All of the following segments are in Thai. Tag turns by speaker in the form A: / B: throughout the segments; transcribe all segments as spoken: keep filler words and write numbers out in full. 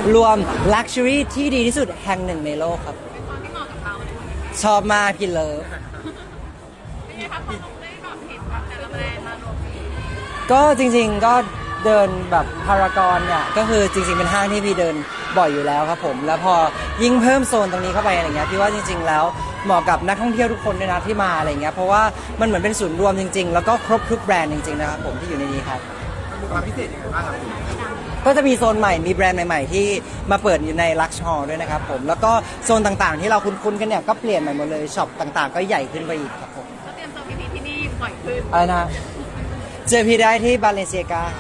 A: รวม Luxury ที่ดีที่สุดแห่งหนึ่งในโลกครับ
B: เป็นความที่เหมาะกับเราเลย
A: ชอบมากพี่เลิฟ
B: เป็นไงครับพอได้แบบเห็นแบบแต่ละแบรนด์มารวมกัน
A: ก็จริงๆก็เดินแบบพารากอนเนี่ยก็คือจริงๆเป็นห้างที่พี่เดินบ่อยอยู่แล้วครับผมแล้วพอยิ่งเพิ่มโซนตรงนี้เข้าไปอะไรเงี้ยพี่ว่าจริงๆแล้วเหมาะกับนักท่องเที่ยวทุกคนด้วยนะที่มาอะไรเงี้ยเพราะว่ามันเหมือนเป็นศูนย์รวมจริงๆแล้วก็ครบทุกแบรนด์จริงๆนะครับผมที่อยู่ในนี้ครับ
C: มีความพิเศษยังไงบ้างครับ
A: ก็จะมีโซนใหม่มีแบรนด์ใหม่ๆที่มาเปิดอยู่ใน Lux Hall ด้วยนะครับผมแล้วก็โซนต่างๆที่เราคุ้นๆกันเนี่ยก็เปลี่ยนใหม่หมดเลยช็อปต่างๆก็ใหญ่ขึ้นไปอีกครับผม
B: ก็เตรียมตัวพีพีที่นี่บ่อยขึ้น
A: อะไรนะเจอพี่ได้ที่บาเลเซียกา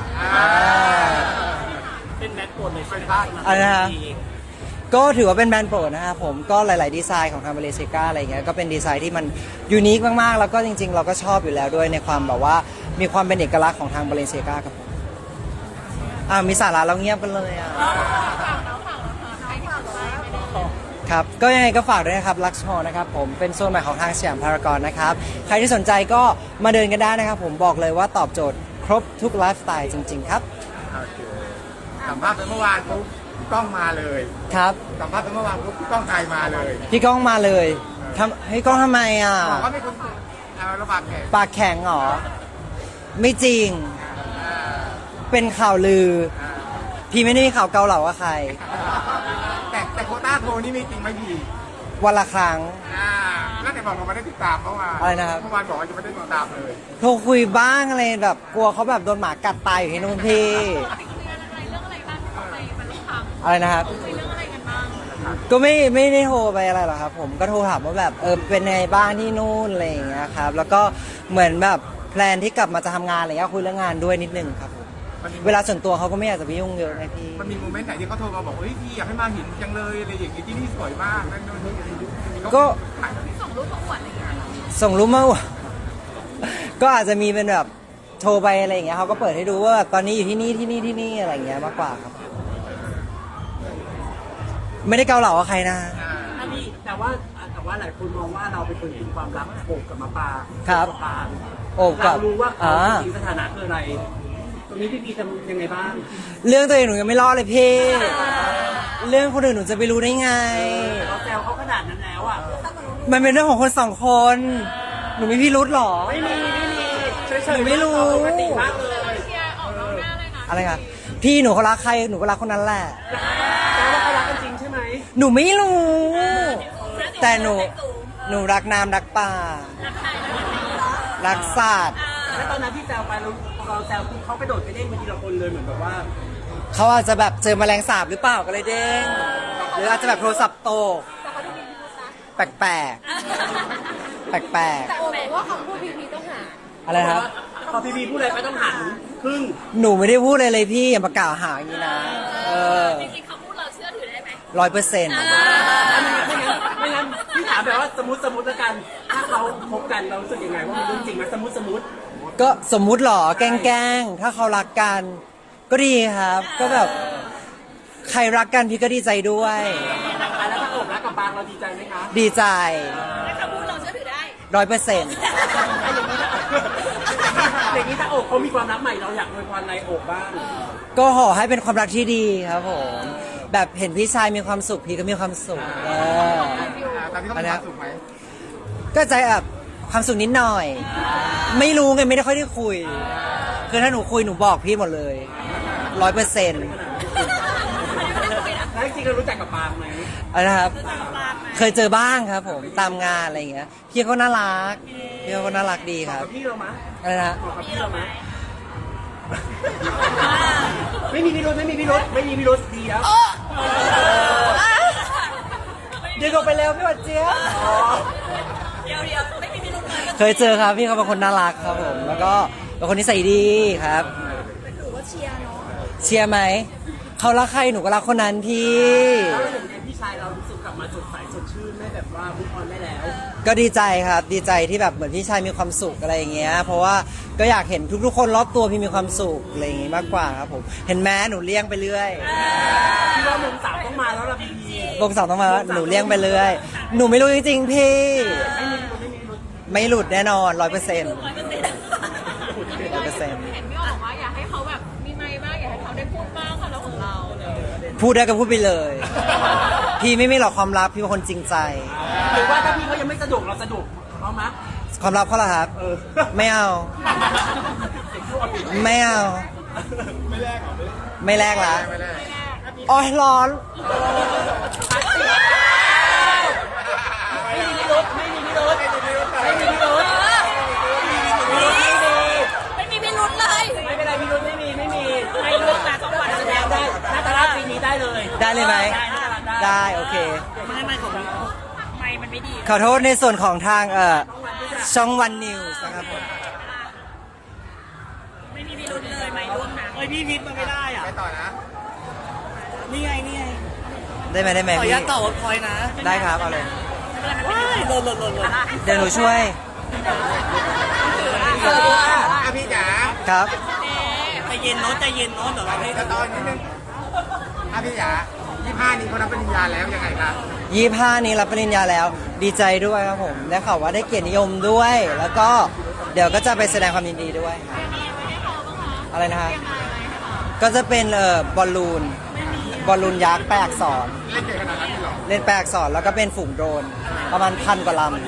D: เป็นแมทโปรดในช่วงบ้านมา
A: อะไรนะฮะก็ถือว่าเป็นแบรนด์โปรดนะครับผมก็หลายๆดีไซน์ของทางบาเลเซียกาอะไรเงี้ยก็เป็นดีไซน์ที่มันยูนิคมากๆแล้วก็จริงๆเราก็ชอบอยู่แล้วด้วยในความแบบว่ามีความเป็นเอกลักษณ์ของทางบาเลเซียกาครับผมอ่ามีสาระเราเงียบกันเลยอ่ะ
B: ฝากแล้วฝากแล้วค่ะใครที่สนใจไม่ได้
A: ครับก็ยังไงก็ฝากด้วยนะครับ Lux Hall นะครับผมเป็นโซนใหม่ของทางสยามพารากอนนะครับใครที่สนใจก็มาเดินกันได้นะครับผมบอกเลยว่าตอบโจทย์ครบทุกไลฟ์สไตล์จริงๆครับ
C: โอเคสัมภาษณ์ไปเมื่อวานปุ๊บกล้องมาเลย
A: ครับ
C: สัมภาษณ์ไปเมื่อวานปุ๊บกล้องไทยมาเลย
A: พี่ก้องมาเลยทำให้ยก้องทำไมอ่ะ
C: บอกว่าไม่คนเอาระบาดแขก
A: ปากแข็งเหรอไม่จริงเป็นข่าวลือ พี่ไม่ได้มีข่าวเกาเหลากับใคร
C: แต่แต่โควต้าโทรนี่มีจริงไหมพี่
A: วันละครั้ง
C: อ่าแล้วแต่บอกเราไม่ได้ติดตามเมื่อวาน
A: อะไรนะครับ
C: เมื่อวานบอกว่าจะไม่ได้ติดตามเลย
A: โทรคุยบ้างอะไรแบบกลัวเขาแบบโดนหมากัดตายอยู่ที่นู่นพี่
B: คุยกันอะไรเรื่องอะไรบ้างที่เขาไปบรรลุธรรม
A: อะไรนะครับ
B: คุยเรื่องอะไรกันบ้าง
A: ก็ไม่ไม่ได้โทรไปอะไรหรอกครับผมก็โทรถามว่าแบบเออเป็นไงบ้างที่นู่นอะไรอย่างเงี้ยครับแล้วก็เหมือนแบบแพลนที่กลับมาจะทำงานอะไรเงี้ยคุยเรื่องงานด้วยนิดนึงครับผม
C: มันมี
A: เวลาส่วนตัวเขาก็ไม่อยากจะไปยุ่งเยอะไงพี่
C: มันมีโมเมนต์ไหนที่เขาโทรมาบอกว่าเฮ้ยพี่อยากให้มาเห็นจังเลยอะไรอย่างงี้ที่นี่สวยมากนั่นนู่นนี่
A: ก็
B: ส่งรูปมาอวดอะไรอย่างเงี้ยเหรอ
A: ส่งรูปมาอวด ก็อาจจะมีเป็นแบบโทรไปอะไรอย่างเงี้ยเขาก็เปิดให้ดูว่าแบบตอนนี้อยู่ที่นี่ที่นี่ที่นี่อะไรอย่างเงี้ยมากกว่าครับ ไม่ได้เกาเหลากับใครนะ
D: อันนี้แต่ว่าแต่ว่าหลายคนมองว่าเราเป็นคนเห็นความรักโอบกับมาปา
A: ครับ
D: กัปาง
A: โอบกับ
D: เรารู้ว่าเขา
A: อ่า
D: จริงๆสถานะคืออะไร ตรงนี้พี่พีทำยังไงบ้าง
A: เรื่องตัวเองหนูยังไม่รอดเลยพี่ เรื่องคนอื่นหนูจะไปรู้ได้ไง
D: เราแซวเขาขนาดนั้นแล้วอ่ะ
A: มันเป็นเรื่องของคนสองคน หนูมีพี่รุธหรอ
D: ไม่มีไม่มีเฉย
A: หนูไม่รู้
D: ปกติมากเลย
B: เชียร์ออกนอกหน้าเลยนะ
A: อะไรคะพี่หนูเขารักใครหนูก็รักคนนั้นแหละ
D: แต่ว่าเขารักกันจริงใช่ไหม
A: หนูไม่รู้ แต่หนูหนูรักน้ำรักป่า รักสัตว์
D: แล้วตอนนั้นที่แซวไปเราเราแซวคือเขากระโดดไปเด้งไปทีละคนเลยเหมือนแบบว่า
A: เขาอาจจะแบบเจอแมลงสาบหรือเปล่าก็เลยเด้ง หรืออาจจะแบบโทรศัพท์ตกแปลกแปลกแปลกแปลก
B: แต่โอ้บอกว่าคำพูดพีพีต้องหา
A: ๆอะไรนะครับ
D: พอพีพีพูดอะไรไปต้องหันครึ่ง
A: หนูไม่ได้พูดเลยเลยพี่อย่ามากล่าวหาอย่างนี้นะ เออ
B: จริงๆคำพูดเราเชื่อถือได้ไหม
A: ร้อยเปอร์เซ็นต์
D: ไม่งั้นไม่งั้นพี่ถามแบบว่าสมมติสมมติแล้วกัน ถ้าเขาคบกันเรารู้สึกยังไงว่ามันเรื่องจริงไหมสมมติสมมติ
A: ก็สมมุติหรอแกล้งๆถ้าเขารักกัน ก็ดีครับ ก็แบบใครรักกันพี่ก็ดีใจด้วย
D: อ่ะแล้วถ้าอกรักกับบางเราดีใจไหมคะ
A: ดีใจ
B: คำพูดเราเชื่อถือได้
A: ร้อยเปอร์เซ็นต์
D: อย่างนี้ถ้าอกเขามีความรักใหม่เราอยากอวยพรในอกบ้าง
A: ก็ขอให้เป็นความรักที่ดีครับผม แบบเห็นพี่ชายมีความสุขพี่ก็มีความสุขเออ
C: ตอนที่เขามีความสุขไหม
A: ก็ใจแบบความสุขนิดหน่อย ไม่รู้ไงไม่ได้ค่อยได้คุย คือถ้าหนูคุยหนูบอกพี่หมดเลยร้อยเปอร์เซ็นต์
D: แล้วจริงๆเรารู้จักกับบางไหม
A: นะครับ เคยเจอบ้างครับผมตามงานอะไรอย่างเงี้ยพี่เขาน่ารักพี่เขาก็น่ารักดี
D: บ
A: ค
D: อก
A: รับ
D: กับพี่เรามะ
A: อะไรนะ
D: บอกกับพี่เรามะไม่มีพิรุธไม่มีพิรุธไม่มีพิรุธดีแล้ว
A: เดี๋ยวก็ไปแล้วพี่หวัดเจี๊ยบ
B: เดี๋ยวเดี๋ยวไม่มีพิรุธเลย
A: เคยเจอครับพี่เขาเป็นคนน่ารักครับผมแล้วก็เป็นคนนิสัยดีครับ
B: หนูก็เชียร์เนาะ
A: เชียร์ไหมเขารักใครหนูก็รักคนนั้นพี่
D: แล้วเราเห็นไงพี่ชายเรารู้สึกกลับมาสดใสสดชื่นไม่แบบว่ามุกออนได้แล้ว
A: ก็ดีใจครับดีใจที่แบบเหมือนพี่ชายมีความสุขอะไรอย่างเงี้ยเพราะว่าก็อยากเห็นทุกๆคนรอบตัวพี่มีความสุขอะไรอย่างงี้มากกว่าครับผมเห็นแม้หนูเลี้ยงไปเรื่อย
D: พี่ว่ามงสาวต้องมาแล้วล่ะพี่พี
A: วงสองต้องมาว่าหนูเลี้ยงไปเรื่อยหนูไม่รู้จริงๆพี่
D: ไม่มีพิรุธไม่มีพิรุธ
A: ไม่หลุดแน่นอนร้อยเปอร์เซ็นต์ร้อยเปอร์เซ็นต์
B: เห็นพี่อ้อบอกว่าอยากให้เขาแบบมีไมค์บ้างอยากให้เขาได้พูดบ้างความรักของเราเลย
A: พูดได้ก็พูดไปเลย พี่ไม่มีหรอกความลับพี่เป็นคนจริงใจ
D: หรือว่าถ้าพี่เขายังไม่สะดวกเราสะดวกเอามะ
A: ความลับเขาล่ะครับ
D: เออ
A: ไม่เอา ไม่เอา ไม่แลกละ
C: ไม่ได้
A: อ๋อร้อน
D: ไม่มีพิรุธไม่มีพิรุธไม่มีพิรุธ
B: ไม่มีพิรุธเลย
D: ไม่เป็นไรพิรุธไม่มีไม่มีไม่รู้แต่สองวันแสดงได้หน้าตาลาดปีนี้ได้เลย
A: ได้เลยไหม
D: ได้หน้าตาลาดได้
A: ได้โอเค
D: ไม่ไม่ของ
B: ไม่มันไม่ดี
A: ขอโทษในส่วนของทางเอ่อช่องวันนิวส์นะครับผม
B: ไม่มีพิรุธเลยไม่ร่วมนะ
D: เฮ้ยพี่พิษมันไม่ได้อ่ะ
C: ไปต่อนะ
D: นี่ไงนี่ไง
A: ได้ไหมได้ไหม
D: ขออนุ
A: พี่
D: ญาตต่อพอยนะ
A: ได้ครับเอาเลย
D: ว้ายหล่นหล่นหล่นหล่น
A: เดี๋ยวหนูช่วย
C: อ่ะพี่จ๋า
A: ครับ
D: ใจเย็นโน้ตใจเย็นโน้ตเดี๋ยวเราให้
C: จะตอนนิดนึงอ่ะพี่จ๋ายี่ห้านี้เขารับปริญญาแล้วยังไงครับ
A: ยี่ห้านี้รับปริญญาแล้วดีใจด้วยครับผมได้ข่าวว่าได้เกียรตินิยมด้วย แล้วก็เดี๋ยวก็จะไปแสดงความยินดีด้วยครับอะไรนะฮะก็จะเป็นเอ่อบอลลูนบอลลูนยักษ์แปลอักษร
C: เล่นเก่งขนาดนั้นเลยเหรอ
A: เล่นแปลอักษรแล้วก็เป็นฝูงโดรนประมาณพันกว่าลำ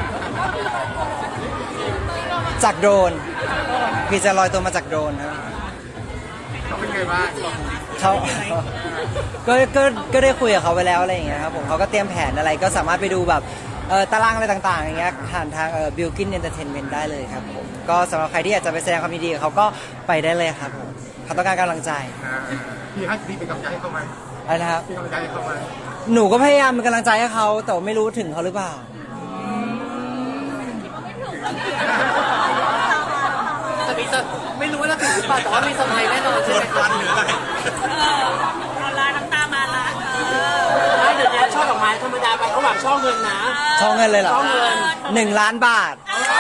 A: จากโดรนพี่จะลอยตัวมาจากโดรนครับ
C: เขาเป็นไงบ้าง
A: เขาก็ก็ก็ได้คุยกับเขาไปแล้วอะไรอย่างเงี้ยครับผมเขาก็เตรียมแผนอะไรก็สามารถไปดูแบบเออตารางอะไรต่างๆอย่างเงี้ยผ่านทางเอ่อ Bilkin Entertainment ได้เลยครับผมก็สำหรับใครที่อยากจะไปแสดงความยินดีกับเขาก็ไปได้เลยครับผมเขาต้องการกำลังใจ
C: อ่าพี่ให้พี่เป็นกำลังใจให้เขาไหม
A: อะไรนะครับ
C: พี่กำลังใจให้เขาไหม
A: หนูก็พยายามเป็นกำลังใจให้เขาแต่ว่าไม่รู้ถึงเขาหรือเปล่า
D: จะมีไม่รู้ว่าจะถึงหรือเปล่าแต่ว่ามีสมัยแน่นอนใช่ไหมครับ
C: หรืออะไร
B: ออนไลน์น้ำตามาละเออ
D: ไม่เดี๋ยวนี้ช่อดอกไม้ธรรมดาไปเขาหวังช่อเงินนะ
A: ช่องเงินเลยเหรอ
D: ช่องเงิน
A: หนึ่งล้านบาท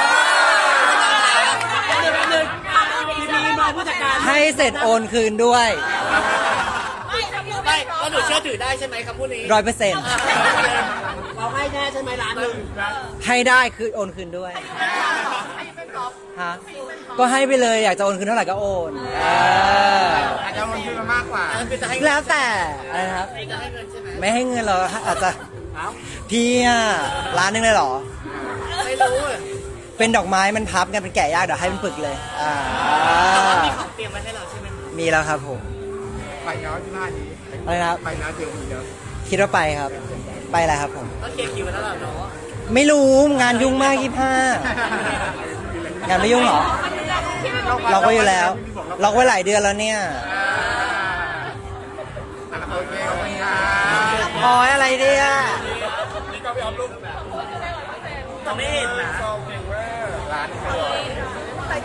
D: เดี๋ยวแป๊บนึงพี่มีมาผู้จัดการ
A: ให้เสร็จโอนคืนด้วย
B: ไม่ทำยัง
D: ไม่ก็หนูเชื่อถือได้ใช่ไหมคำพูดนี้
A: ร้อยเปอร์เซ็นต์
D: เราให้แน่ใช่ไหมล้านหนึ่ง
A: ให้ได้คือโอนคืนด้วยฮะก็ให้ไปเลยอยากจะโอนคืนเท่าไหร่ก็โอนเออ
C: อาจจะมันขึ้นมามากกว่า
D: คือจะให้
A: แล้วแต่อะไรนะครับ
D: จะให้เงินใช่ไหม
A: ไม่ให้เงินเราอาจจะ
D: เอ้า
A: พี่อะร้านหนึงเลยเหรอ
D: ไม่รู้
A: เป็นดอกไม้มันพับกันเป็นแกะยากเดี๋ยวให้เป็นปึกเลยอ่า
D: มีของเตรียมไว้ให้เราใช่ไหม
A: มีแล้วครับผม
C: ไปเนาะยี่ห้านี้
A: อะไรนะครับ
C: ไปนะเจอมีเยอะ
A: คิดว่าไปครับ ไปแหละครับผม
D: ก็เคลียร์คิวแล้วเหรอเนาะ
A: ไม่รู้งานยุ่งมากยี่ห้างานไม่ยุ่งเหรอ เราก็อยู่แล้ว เราก็ไว้หลายเดือนแล้วเนี่ย
C: อ่าโอเคขอบคุณครับ
A: อ๋ออะไรเนี่ย
D: จะไม่เห็นนะ
C: ร้าน